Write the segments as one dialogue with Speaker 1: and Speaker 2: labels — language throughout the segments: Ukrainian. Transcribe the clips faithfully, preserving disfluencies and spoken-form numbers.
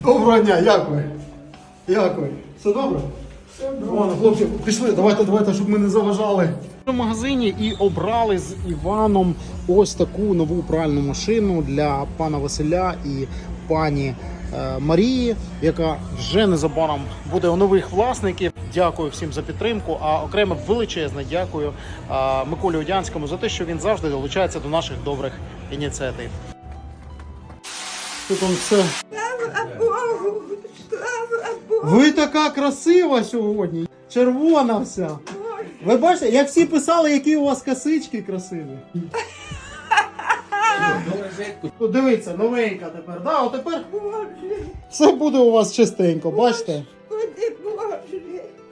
Speaker 1: Доброго дня, як ви? Як ви? Все добре? Все добре. Ладно, хлопці, пішли, давайте, давайте, щоб ми не заважали. В магазині і обрали з Іваном ось таку нову пральну машину для пана Василя і пані е, Марії, яка вже незабаром буде у нових власників. Дякую всім за підтримку, а окремо величезне дякую е, Миколі Одянському за те, що він завжди долучається до наших добрих ініціатив. Тут он все.
Speaker 2: Слава Богу! Слава Богу!
Speaker 1: Ви така красива сьогодні, червона вся. Ви бачите, як всі писали, які у вас косички красиві. Ну, дивіться, новенька тепер. Да, от тепер
Speaker 2: Боже!
Speaker 1: все буде у вас чистенько, бачите?
Speaker 2: Господи Боже!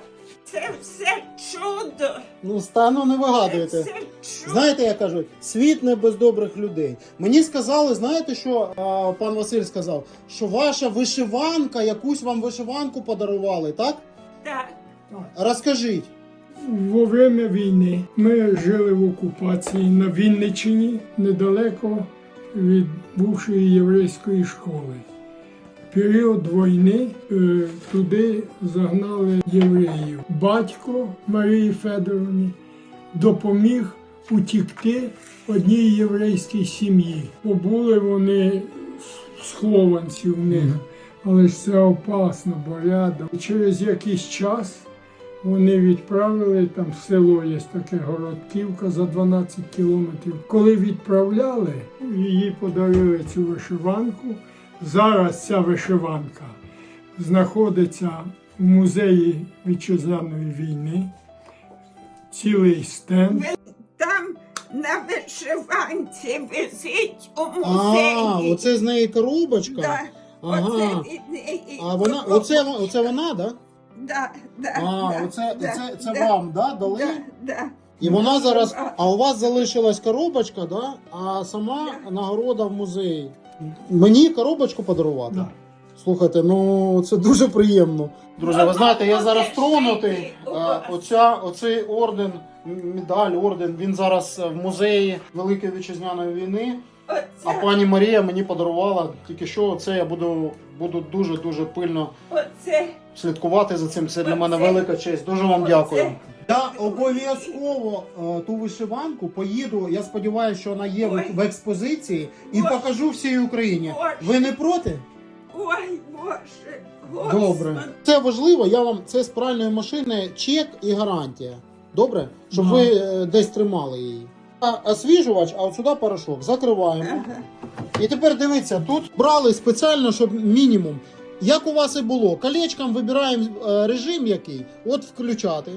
Speaker 2: Це все чудо!
Speaker 1: Ну, стану не
Speaker 2: Це
Speaker 1: вигадуєте.
Speaker 2: все чудо!
Speaker 1: Знаєте, як кажуть, світ не без добрих людей. Мені сказали, знаєте, що а, пан Василь сказав? Що ваша вишиванка, якусь вам вишиванку подарували, так?
Speaker 2: Так.
Speaker 1: Розкажіть.
Speaker 3: Во время війни ми жили в окупації на Вінниччині, недалеко від бувшої єврейської школи. В період війни е, туди загнали євреїв. Батько Марії Федоровні допоміг утікти одній єврейській сім'ї. Побули вони схованці в них, але ж це опасно, бо рядом. Через якийсь час вони відправили, там село є таке, Городківка, за дванадцять кілометрів. Коли відправляли, її подарили цю вишиванку. Зараз ця вишиванка знаходиться в музеї вітчизняної війни. Цілий стенд.
Speaker 2: Там на вишиванці висить у музеї.
Speaker 1: А, оце з неї коробочка?
Speaker 2: Да.
Speaker 1: Ага.
Speaker 2: Оце від неї.
Speaker 1: А вона, оце, оце вона, да?
Speaker 2: Да, да,
Speaker 1: А,
Speaker 2: да,
Speaker 1: оце,
Speaker 2: да,
Speaker 1: це, це
Speaker 2: да,
Speaker 1: вам, да, дали?
Speaker 2: Да, да.
Speaker 1: І вона зараз,
Speaker 2: А,
Speaker 1: а у вас залишилась коробочка, да? А сама нагорода в музеї. Мені коробочку подарувати?
Speaker 3: Да.
Speaker 1: Слухайте, ну це дуже приємно. Друзі, ви знаєте, я зараз тронутий. Е, Оця, оцей орден, медаль, орден, він зараз в музеї Великої Вітчизняної війни. А
Speaker 2: Оце,
Speaker 1: пані Марія мені подарувала тільки що це. Я буду, буду дуже-дуже пильно
Speaker 2: оце.
Speaker 1: слідкувати за цим. Це для мене велика честь. Дуже вам дякую. Я обов'язково е, ту вишиванку поїду. Я сподіваюся, що вона є в, в експозиції і
Speaker 2: Ой.
Speaker 1: покажу всій Україні.
Speaker 2: Ой.
Speaker 1: Ви не проти?
Speaker 2: Ой, Боже, Господи.
Speaker 1: Добре. Це важливо. Я вам це з пральної машини чек і гарантія. Добре, щоб
Speaker 3: Да.
Speaker 1: ви е, десь тримали її. А освіжувач, а от сюди порошок. Закриваємо.
Speaker 2: Ага.
Speaker 1: І тепер дивіться, тут брали спеціально, щоб мінімум. Як у вас і було, колечком вибираємо е, режим який, от включати.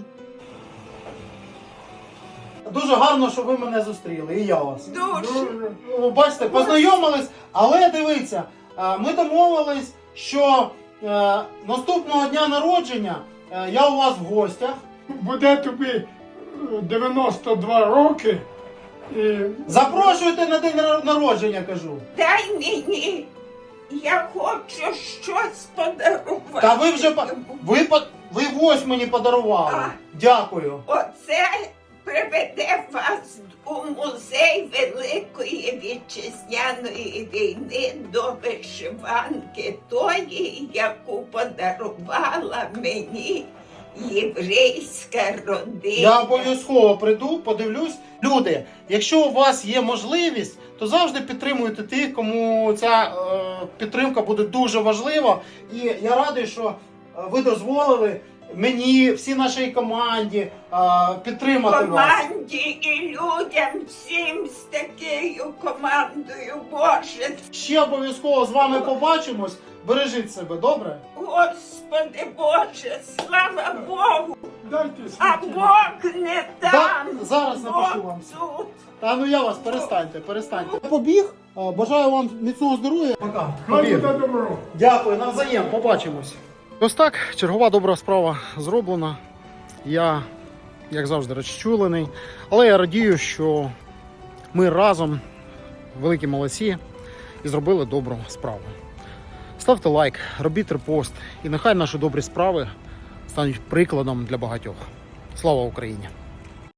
Speaker 1: Дуже гарно, що ви мене зустріли, і я вас.
Speaker 2: Дуже.
Speaker 1: Ну, бачите, познайомились, але дивіться, е, ми домовились, що е, наступного дня народження е, я у вас в гостях.
Speaker 3: Буде тобі е, дев'яносто два роки. І
Speaker 1: Запрошуйте на день нар- народження, кажу.
Speaker 2: Дай мені, я хочу щось подарувати.
Speaker 1: Та ви вже по- ви, по- ви ось мені подарували.
Speaker 2: А.
Speaker 1: Дякую.
Speaker 2: Оце приведе вас у музей Великої Вітчизняної війни до вишиванки тої, яку подарувала мені єврейська родина.
Speaker 1: Я обов'язково прийду, подивлюсь. Люди, якщо у вас є можливість, то завжди підтримуйте тих, кому ця е, підтримка буде дуже важлива. І я радий, що е, ви дозволили мені, всій нашій команді е, підтримати вас.
Speaker 2: Команді і людям всім з такою командою, Боже.
Speaker 1: Ще обов'язково з вами побачимось. Бережіть себе, добре?
Speaker 2: Господи Боже, слава Богу,
Speaker 3: дайте
Speaker 2: а
Speaker 3: світі.
Speaker 2: Бог не там.
Speaker 1: Да, зараз напишу
Speaker 2: Бог
Speaker 1: вам.
Speaker 2: тут.
Speaker 1: Та ну я вас, перестаньте, перестаньте. Побіг, е, бажаю вам міцного здоров'я. Пока.
Speaker 3: Хай буде добро.
Speaker 1: Дякую, навзаєм, побачимось. Ось так, чергова добра справа зроблена. Я, як завжди, розчулений. Але я радію, що ми разом, великі молодці, і зробили добру справу. Ставте лайк, робіть репост, і нехай наші добрі справи стануть прикладом для багатьох. Слава Україні!